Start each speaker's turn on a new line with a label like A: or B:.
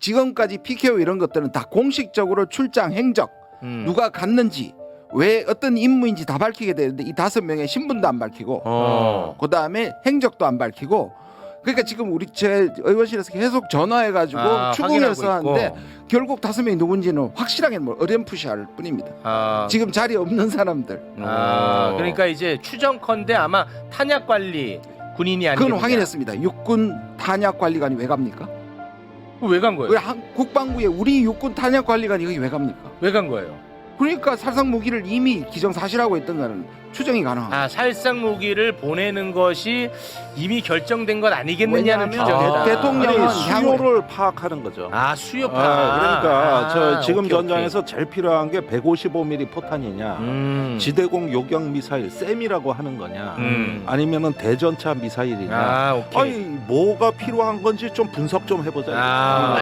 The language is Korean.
A: 지금까지 PKO 이런 것들은 다 공식적으로 출장 행적 누가 갔는지 왜 어떤 임무인지 다 밝히게 되는데 이 5명의 신분도 안 밝히고 그다음에 행적도 안 밝히고 그러니까 지금 우리 제 의원실에서 계속 전화해가지고 추궁해서 하는데 결국 5명이 누군지는 확실하게 뭐 어렴풋이할 뿐입니다. 지금 자리에 없는 사람들.
B: 그러니까 이제 추정컨대 아마 탄약 관리 군인이 아니겠느냐.
A: 그건 확인했습니다. 육군 탄약 관리관이 왜 갑니까?
B: 왜 간 거예요?
A: 왜 국방부에 우리 육군 탄약 관리관이 여기 왜 갑니까?
B: 왜 간 거예요?
A: 그러니까 살상 무기를 이미 기정사실하고 있던 거는 추정이 가능합니다.
B: 살상 무기를 보내는 것이 이미 결정된 것 아니겠느냐는
A: 왜냐하면
B: 추정이다.
A: 대통령은
C: 수요를 파악하는 거죠.
B: 수요 파.
C: 그러니까 저 지금
B: 오케이,
C: 전장에서 제일 필요한 게 155mm 포탄이냐, 지대공 요격 미사일 쌤이라고 하는 거냐, 아니면은 대전차 미사일이냐.
B: 오케이.
C: 아니 뭐가 필요한 건지 좀 분석 좀 해보자.